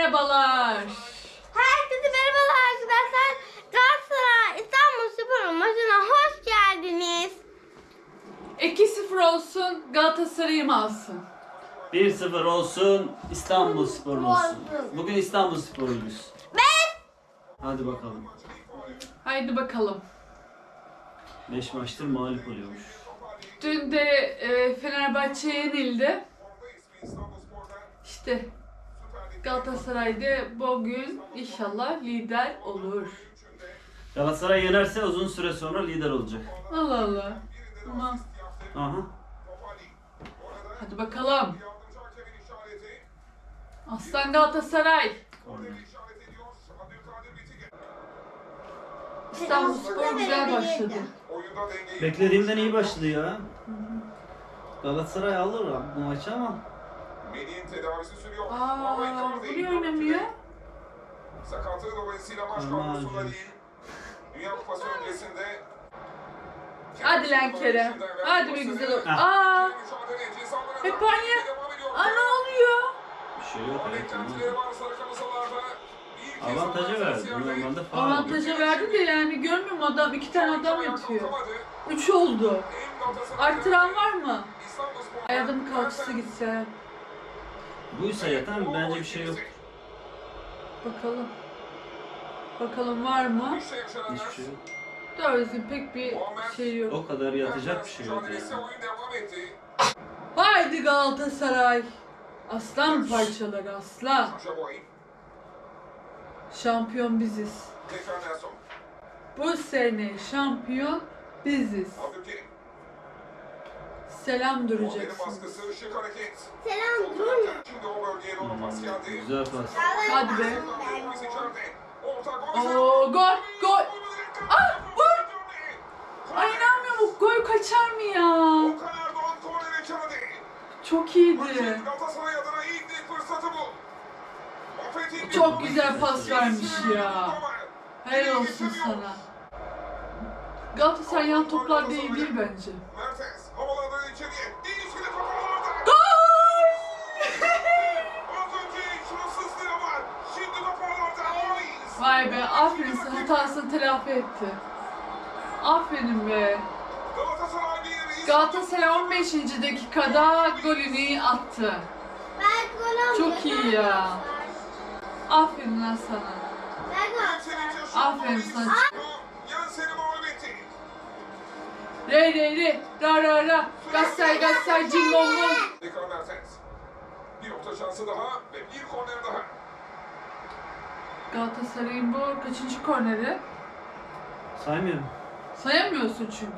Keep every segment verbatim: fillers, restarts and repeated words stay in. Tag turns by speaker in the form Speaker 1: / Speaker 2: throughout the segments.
Speaker 1: merhabalar.
Speaker 2: Herkese merhabalar arkadaşlar. Galatasaray İstanbulspor'un maçına hoş geldiniz.
Speaker 1: iki sıfır olsun, Galatasaray'ım alsın.
Speaker 3: bir sıfır olsun, İstanbulspor olsun. Bugün İstanbulsporluyuz.
Speaker 2: Ben
Speaker 3: Hadi bakalım.
Speaker 1: Haydi bakalım.
Speaker 3: beş maçtır mağlup oluyormuş.
Speaker 1: Dün de e, Fenerbahçe yenildi. İşte Galatasaray'da bugün inşallah lider olur.
Speaker 3: Galatasaray yenerse uzun süre sonra lider olacak.
Speaker 1: Allah Allah. Ama
Speaker 3: Aha.
Speaker 1: hadi bakalım. Aslan Galatasaray. İstanbulspor güzel başladı.
Speaker 3: Beklediğimden iyi başladı ya. Galatasaray alır bu maçı ama.
Speaker 4: Melih'in tedavisi sürüyor.
Speaker 1: Aa, buraya oynamıyor.
Speaker 4: Sakatlığı dolayısıyla maç
Speaker 3: Aman
Speaker 4: kadrosunda
Speaker 3: canım.
Speaker 4: değil. Dünya Kupası öncesinde
Speaker 1: Hadi lan Kerem. Hadi be güzel ol.
Speaker 3: Ha.
Speaker 1: Aa,
Speaker 4: mücadele cezalarına
Speaker 1: hep aynı.
Speaker 4: devam ediyor.
Speaker 1: Aa ne oluyor?
Speaker 3: Bir şey yok. Evet,
Speaker 4: Beklentileri var sarı kırmızılarda. Bir kez
Speaker 3: avantajı
Speaker 4: daha
Speaker 3: verdi.
Speaker 4: yerde.
Speaker 3: Normalde faul.
Speaker 1: Avantaja verdi de yani görmüyor musun adam? İki tane adam yatıyor.
Speaker 4: Kalkamadı.
Speaker 1: Üç oldu.
Speaker 4: Hem Galatasaray
Speaker 1: Artıran var mı?
Speaker 4: İstanbulspor-
Speaker 1: Ay adamın kalçası gitse.
Speaker 3: Buysa yatan bence bir şey yok.
Speaker 1: Bakalım. Bakalım var mı?
Speaker 4: İşte yaşananlar.
Speaker 3: Hiçbir şey yok.
Speaker 1: Doğrusu pek bir şey yok.
Speaker 3: O kadar yatacak bir şey yok
Speaker 4: Mücadelesi
Speaker 3: yani.
Speaker 4: oyun devam etti.
Speaker 1: Haydi Galatasaray. Aslan parçaları aslan.
Speaker 4: Sacha Boey,
Speaker 1: Şampiyon biziz.
Speaker 4: tekrar Nelson,
Speaker 1: Bu sene şampiyon biziz.
Speaker 4: Abdülkerim.
Speaker 1: Selam
Speaker 4: Onların
Speaker 1: duracaksın.
Speaker 4: baskısı, şık hareket.
Speaker 2: selam durun.
Speaker 4: Şimdi o bölgeye doğru pas geldi.
Speaker 3: Güzel pas.
Speaker 1: Hadi be.
Speaker 4: Gomez içeride. Orta Gomez.
Speaker 1: Oo gol gol. Ah vur. Ay inanmıyorum gol kaçar mı ya?
Speaker 4: Okan Erdoğan kornere çaldı.
Speaker 1: Çok iyiydi.
Speaker 4: Galatasaray adına ilk bir fırsatı bu. Affet'in bir-
Speaker 1: Çok güzel pas vermiş ya. Helal olsun sana. Galatasaray yan toplar değil değil bence.
Speaker 4: Mertens havalandı içeriye. Değişiklik kafalarda.
Speaker 1: Gol!
Speaker 4: Az önce şanssızlığı var. Şimdi kafalarda. Moyes.
Speaker 1: Vay be aferin sana hatasını telafi etti. Aferin be.
Speaker 4: Galatasaray bir
Speaker 1: Galatasaray on beşinci dakikada golünü attı.
Speaker 2: Ben gol aldım.
Speaker 1: Çok iyi ya. Aferin lan sana.
Speaker 2: Ben Galatasaray.
Speaker 1: Aferin sana.
Speaker 4: Yan seni mağlup etti.
Speaker 1: Re re re ra ra ra. Galatasaray Galatasaray cimbomlu.
Speaker 4: Tekrar Mertens. Bir orta şansı daha ve bir korner daha.
Speaker 1: Galatasaray'ın bu kaçıncı korneri?
Speaker 3: Saymıyorum.
Speaker 1: Sayamıyorsun çünkü.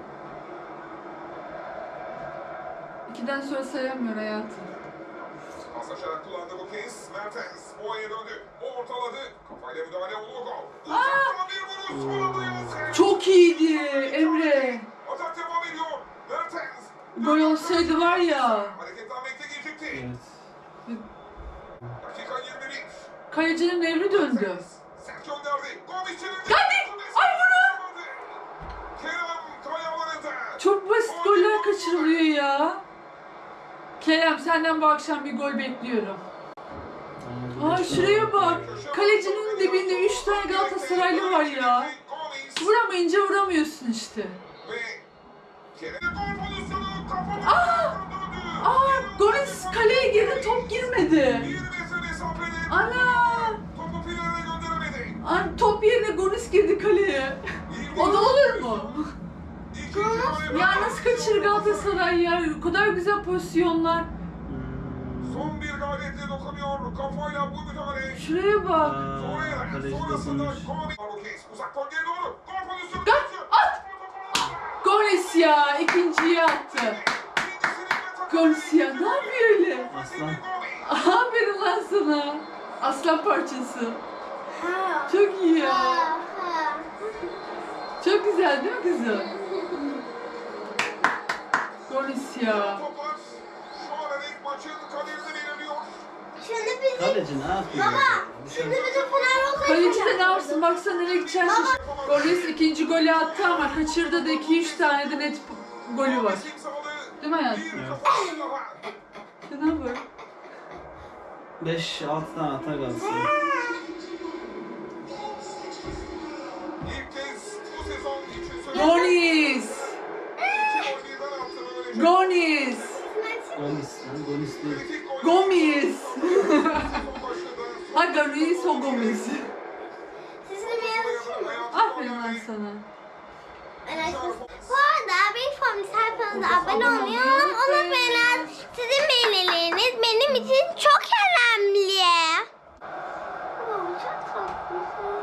Speaker 1: İkiden sonra sayamıyor hayatım.
Speaker 4: Paslaşarak kullandı bu kez. Mertens Boğa'ya döndü. O ortaladı. Kafayla müdahale oldu gol.
Speaker 1: Aa!
Speaker 4: Uzaktan bir vuruş. Son anda Yunus.
Speaker 1: Çok iyiydi Emre.
Speaker 4: Atak devam ediyor. Mertens.
Speaker 1: Gol olsaydı var ya.
Speaker 4: Hareketlenmekte gecikti.
Speaker 3: Evet.
Speaker 4: Dakika yirmi bir.
Speaker 1: Kalecinin evri döndü.
Speaker 4: Sert gönderdi. Gol içeri.
Speaker 1: Hadi! Ay vurun!
Speaker 4: Kerem Kayaları'nda.
Speaker 1: Çok basit goller kaçırılıyor ya. Kerem senden bu akşam bir gol bekliyorum. Aa şuraya bak. Kalecinin dibinde üç tane Galatasaraylı var ya. Vuramayınca vuramıyorsun işte.
Speaker 4: Ve Kerem'e gol pozisyonu kapalı.
Speaker 1: Aa! Aa Gomis kaleye girdi top girmedi.
Speaker 4: Bir metre mesafede.
Speaker 1: Ana!
Speaker 4: Topu finale gönderemedi.
Speaker 1: An top yerine Gomis girdi kaleye. O da olur mu?
Speaker 4: İkinci gole
Speaker 1: Ya nasıl kaçırır Galatasaray ya? O kadar güzel pozisyonlar.
Speaker 4: Son bir gayretle dokunuyor. Kafayla bu müdahale.
Speaker 1: Şuraya bak.
Speaker 4: Sonraya
Speaker 3: Kaleci
Speaker 4: sonrasında
Speaker 3: dokunmuş.
Speaker 4: Gomis. Marquez uzak bölgeye doğru. Gol pozisyonu.
Speaker 1: Gol, at! Gomis ya ikinciyi attı. Gomis ya ne yapıyor öyle?
Speaker 3: Aslan.
Speaker 1: Aferin lan sana. Aslan parçası.
Speaker 2: Ha.
Speaker 1: Çok iyi ya.
Speaker 2: Ha. Ha.
Speaker 1: Çok güzel değil mi kızım? Gomis ya.
Speaker 4: Toplar şu an ilk maçın kaderini belirliyor.
Speaker 2: Şimdi bizim
Speaker 3: Kaleci ne yapıyor?
Speaker 2: baba.
Speaker 3: ya?
Speaker 2: Şimdi bizim Fenerbahçe.
Speaker 1: Kaleci de ne yapsın baksana nereye gideceğini şaş. Gomis ikinci golü attı ama kaçırdı da iki üç tane de net golü var.
Speaker 4: Kim sağladı?
Speaker 1: Değil mi hayatım?
Speaker 4: Bir
Speaker 3: Evet.
Speaker 4: kafa daha.
Speaker 1: Şuna bak.
Speaker 3: beş altı tane atar Galatasaray.
Speaker 4: İlk kez bu sezon için söyledi.
Speaker 1: Gonis!
Speaker 4: İki gol birden attı böylece.
Speaker 1: Gonis!
Speaker 3: Gomis lan, Gomis değil.
Speaker 4: Kritik gol.
Speaker 1: Gomis!
Speaker 4: Sezon başladı.
Speaker 1: Ha Gonis o Gomis.
Speaker 2: Sizin bir yazışım mı?
Speaker 1: Aferin lan sana.
Speaker 2: Evet. Bu arada bir form sayfanıza abone olmayı unutmayın. Sizin beğenileriniz benim için çok önemli. Oo, çok tatlısın.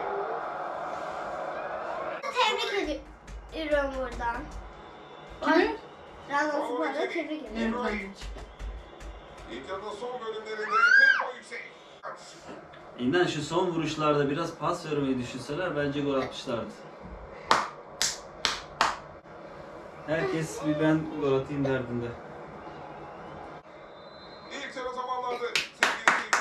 Speaker 2: Tebrik ediyorum buradan.
Speaker 1: Kimi?
Speaker 2: Rango Spor'da tebrik ediyorum.
Speaker 1: Evet anneciğim.
Speaker 4: İlk yarının son bölümlerinde tempo yüksek.
Speaker 3: İnan şu son vuruşlarda biraz pas vermeyi düşünseler bence gol atmışlardı. Herkes bir ben gol atayım derdinde.
Speaker 4: İlk yarı tamamlandı. Sevgili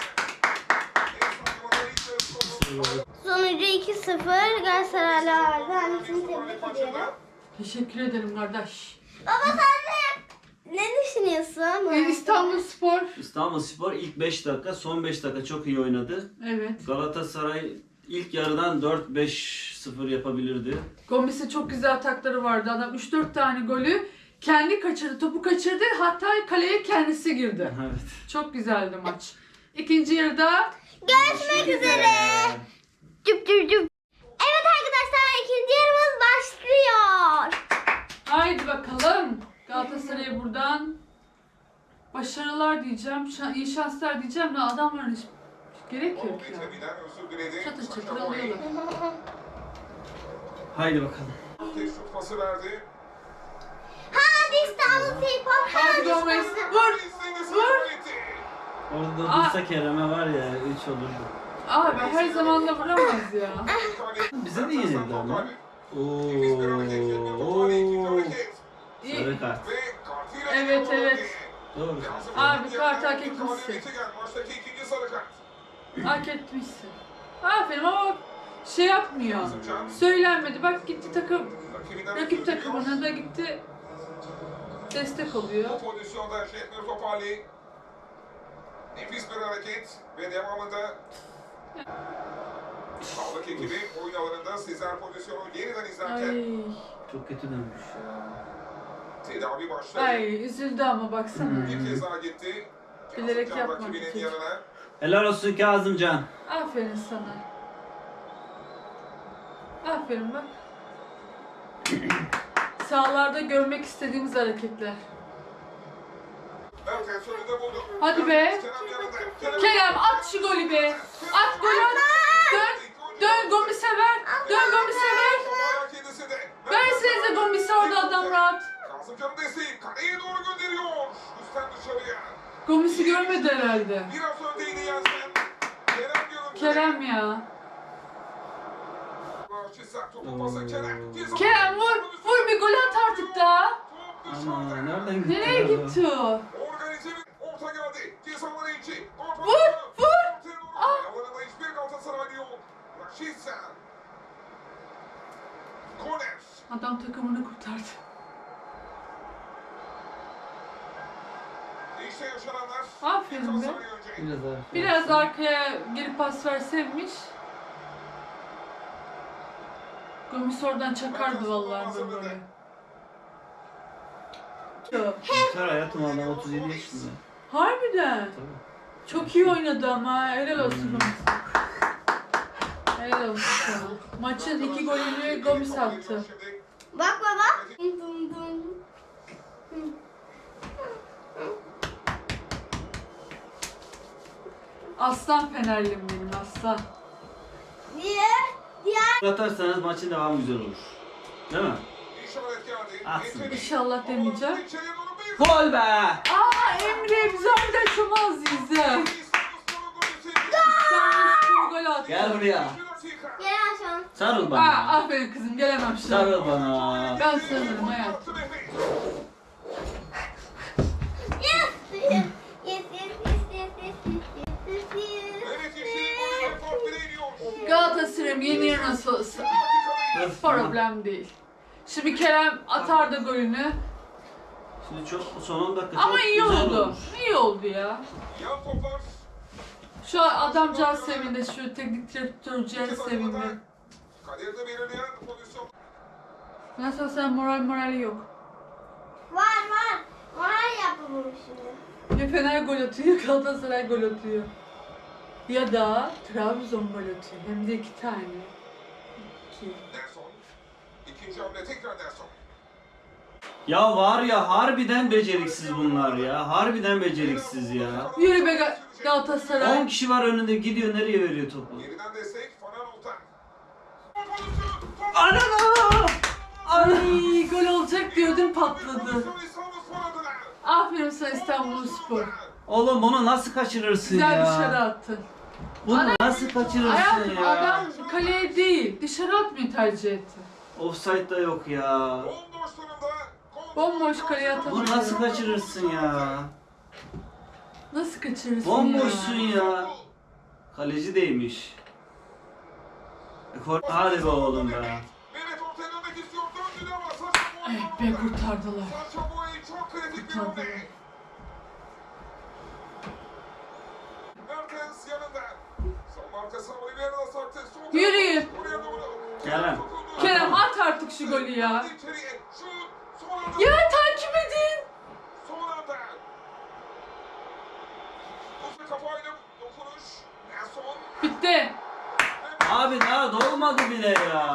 Speaker 4: seyirciler.
Speaker 2: Sonucu iki sıfır Galatasaraylı vardı. Annesini tebrik ediyorum.
Speaker 1: Teşekkür ederim kardeş.
Speaker 2: Baba sen de ne düşünüyorsun?
Speaker 1: Ee, İstanbulspor.
Speaker 3: İstanbulspor ilk beş dakika, son beş dakika çok iyi oynadı.
Speaker 1: Evet.
Speaker 3: Galatasaray ilk yarıdan dört beş sıfır yapabilirdi.
Speaker 1: Gomis'e çok güzel atakları vardı. Adam üç dört tane golü kendi kaçırdı. Topu kaçırdı. Hatta kaleye kendisi girdi.
Speaker 3: Evet.
Speaker 1: Çok güzeldi maç. İkinci yarıda
Speaker 2: Görüşmek üzere. Cüp cüp cüp. Evet arkadaşlar ikinci yarımız başlıyor.
Speaker 1: haydi bakalım. Galatasaray'a buradan başarılar diyeceğim. Şa- iyi şanslar diyeceğim de adamların hiç gerek yok ya.
Speaker 4: Biten özür diledi.
Speaker 1: Çatır çatır
Speaker 4: Saşa Boey.
Speaker 1: alıyorlar.
Speaker 3: Haydi bakalım.
Speaker 4: Tez şut pası verdi.
Speaker 2: Hadi İstanbul Spor.
Speaker 1: Hadi Gomez. Vur.
Speaker 4: İstedi,
Speaker 1: Vur.
Speaker 4: sahip etti.
Speaker 3: Orada
Speaker 1: Aa.
Speaker 3: dursa Kerem'e var ya üç olurdu.
Speaker 1: Abi her zaman da vuramaz ya.
Speaker 3: Bize de yenildi ama.
Speaker 4: Nefis bir hareket, yetmiyor Topali, ikinci
Speaker 3: Ooo.
Speaker 4: hareket.
Speaker 1: İyi.
Speaker 3: Sarı kart.
Speaker 4: Ve kartıyla
Speaker 1: Evet,
Speaker 4: geliyor
Speaker 1: evet.
Speaker 4: bölge.
Speaker 3: Doğru.
Speaker 4: Yansın
Speaker 1: Abi,
Speaker 4: bir
Speaker 1: kart
Speaker 4: yerden
Speaker 1: hak
Speaker 4: bir
Speaker 1: etmişsin.
Speaker 4: galibiyete geldi. Maçtaki ikinci sarı kart.
Speaker 1: Hak etmişsin. Aferin ama şey yapmıyor. Söylenmedi. Bak gitti takım.
Speaker 4: Rakibinden
Speaker 1: Rakip
Speaker 4: özür
Speaker 1: takımına
Speaker 4: diliyor.
Speaker 1: da gitti. Destek oluyor.
Speaker 4: Bu pozisyonda Şehmir Topali. Nefis bir hareket ve devamında sağlık ekibi oyun alanında sizler pozisyonu yeniden izlerken
Speaker 1: Ay.
Speaker 3: Çok kötü dönmüş ya.
Speaker 4: tedavi başladı.
Speaker 1: Ay üzüldü ama baksana.
Speaker 4: Bir kez daha gitti.
Speaker 1: Bilerek
Speaker 4: Kazımcan
Speaker 1: yapmadı
Speaker 4: rakibinin
Speaker 1: çocuk.
Speaker 4: yanına.
Speaker 3: Helal olsun Kazımcan.
Speaker 1: Aferin sana. Aferin bak. Sahalarda görmek istediğimiz hareketler.
Speaker 4: Mertens önünde buldu.
Speaker 1: Hadi be.
Speaker 4: Kerem yanında. Kerem-
Speaker 1: Kerem at şu golü be. At golü at. Dön. Dön Gomis'e ver. Dön Gomis'e ver.
Speaker 4: Toparlar kendisi de.
Speaker 1: Versenize Gomis'e orada adam rahat.
Speaker 4: Kazımcan'ın desteği kaleye doğru gönderiyor. Üstten dışarıya.
Speaker 1: Gomis'i görmedi herhalde.
Speaker 4: Biraz öndeydi Yasin. Kerem görüntüde.
Speaker 1: Kerem ya.
Speaker 4: Çisak topu pası Kerem. Ceza-
Speaker 1: Kerem vur. Vur bir gol at artık daha.
Speaker 4: Top
Speaker 3: Ama
Speaker 4: dışarıda.
Speaker 3: nereden gitti?
Speaker 1: Nereye
Speaker 3: ya?
Speaker 1: gitti o?
Speaker 4: Organize bir orta geldi. Cezaları içi.
Speaker 1: Vur, vur. Ah.
Speaker 4: Alanında hiçbir Galatasaraylı yok. Raşitsa. Koner.
Speaker 1: Adam takımını kurtardı.
Speaker 4: İşte yaşananlar.
Speaker 1: Aferin
Speaker 4: Bir
Speaker 1: be.
Speaker 4: saniye önce.
Speaker 3: Biraz daha.
Speaker 1: Biraz arkaya geri pas verseymiş. Gomis oradan çakardı vallahi böyle.
Speaker 3: Yeter hayatım adam otuz yedi yaşında.
Speaker 1: Harbiden.
Speaker 3: Tabii.
Speaker 1: Çok iyi oynadı ama helal olsun Gomis. Helal olsun sana. Maçın iki golünü Gomis attı.
Speaker 4: Şimdi
Speaker 2: Bak baba. Dum dum.
Speaker 1: Aslan Fenerlim benim aslan.
Speaker 2: Diye. Diğer.
Speaker 3: Atarsanız maçın devamı güzel olur. Değil mi?
Speaker 4: işaret geldi.
Speaker 3: Atsın.
Speaker 4: Yetenek.
Speaker 1: İnşallah demeyeceğim.
Speaker 4: İçeriye doğru bir-
Speaker 3: Gol be!
Speaker 1: Aa Emre bizi orada açamaz bizi.
Speaker 4: İstanbulspor'un golü.
Speaker 1: İstanbul gol attı.
Speaker 3: Gel buraya.
Speaker 2: Gel aşağı.
Speaker 3: Sarıl
Speaker 1: Aa,
Speaker 3: bana.
Speaker 1: aferin kızım gelemem şimdi.
Speaker 3: Sarıl bana.
Speaker 1: Ben sanırım hayatım.
Speaker 2: Yes. Yes yes yes yes yes yes yes yes.
Speaker 4: Evet yeşil golü top direğe iniyor.
Speaker 1: Galatasaray'ım yeniyor nasıl olsa. Problem değil. Şimdi Kerem atar da golünü.
Speaker 3: Şimdi çok son on dakika
Speaker 1: Ama
Speaker 3: çok
Speaker 1: iyi
Speaker 3: güzel
Speaker 1: oldu.
Speaker 3: olmuş.
Speaker 1: İyi oldu ya.
Speaker 4: Yan toplar
Speaker 1: Şu an adamcağız sevindi, şu teknik direktörcağız sevindi.
Speaker 4: Kaderini belirleyen pozisyon.
Speaker 1: Nasıl sen moral morali yok.
Speaker 2: Var var. Moral yapamam şimdi.
Speaker 1: Ya Fener gol atıyor, Galatasaray gol atıyor. Ya da Trabzon gol atıyor. Hem de iki tane. İki.
Speaker 4: Nelson. İkinci hamle tekrar Nelson.
Speaker 3: Ya var ya harbiden beceriksiz bunlar ya. Harbiden beceriksiz ya.
Speaker 1: Yürü be Ga- Galatasaray.
Speaker 3: on kişi var önünde gidiyor nereye veriyor topu?
Speaker 4: Geriden destek Fanan Oltan.
Speaker 3: Anana!
Speaker 1: Ay gol olacak diyordum patladı.
Speaker 4: Pozisyonu İstanbul Spor adına.
Speaker 1: Aferin sana İstanbulspor.
Speaker 3: Oğlum bunu nasıl kaçırırsın
Speaker 1: Güzel
Speaker 3: ya?
Speaker 1: dışarı attın.
Speaker 3: Bunu nasıl kaçırırsın
Speaker 1: Hayatım
Speaker 3: ya?
Speaker 1: adam kaleye değil dışarı atmayı tercih etti.
Speaker 3: Offside da yok ya.
Speaker 4: Bomboş durumda.
Speaker 1: Bomboş kaleye atamıyor.
Speaker 3: Bunu nasıl kaçırırsın ya?
Speaker 1: Nasıl kaçırırsın
Speaker 3: Bomboşsun
Speaker 1: ya?
Speaker 3: ya. Kaleci değmiş. E, kor- Hadi be oğlum be.
Speaker 4: Mehmet ortaya dönmek istiyor. Döndü ama Sacha Boey.
Speaker 1: Evet be kurtardılar.
Speaker 4: Sacha Boey çok kritik bir
Speaker 1: Kurtardılar.
Speaker 4: hamle. Mertens yanında. Son arkasına Oliveira'da sarktı. Son
Speaker 1: Yürüyün.
Speaker 4: Oraya doğru.
Speaker 3: Kerem.
Speaker 4: Dokundu.
Speaker 1: Kerem at artık şu golü ya.
Speaker 4: İçeriye. Şut. Son anda.
Speaker 1: Ya takip edin.
Speaker 4: Son anda. Uzun kafayla dokunuş. Nelson.
Speaker 1: Bitti.
Speaker 3: Abi daha dolmadı bile ya.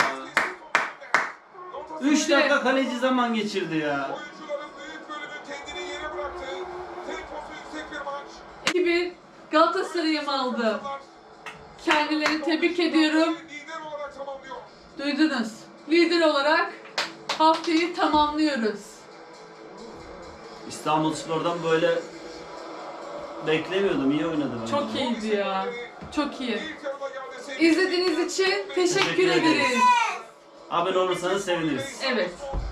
Speaker 3: üç dakika kaleci zaman geçirdi ya.
Speaker 4: Oyuncuların büyük bölümü kendini yere bıraktı. Temposu yüksek bir maç.
Speaker 1: iki bir Galatasaray'ım aldı. Kendilerini tebrik ediyorum.
Speaker 4: Lider olarak tamamlıyor.
Speaker 1: Duydunuz. Lider olarak haftayı tamamlıyoruz.
Speaker 3: İstanbulspor'dan böyle beklemiyordum. İyi oynadı bence.
Speaker 1: Çok iyiydi ya. Çok iyi.
Speaker 4: İlk yarıda geldi sevgili.
Speaker 1: İzlediğiniz için teşekkür
Speaker 3: Teşekkür ederiz.
Speaker 1: ederiz.
Speaker 3: Abone olursanız seviniriz.
Speaker 1: Evet.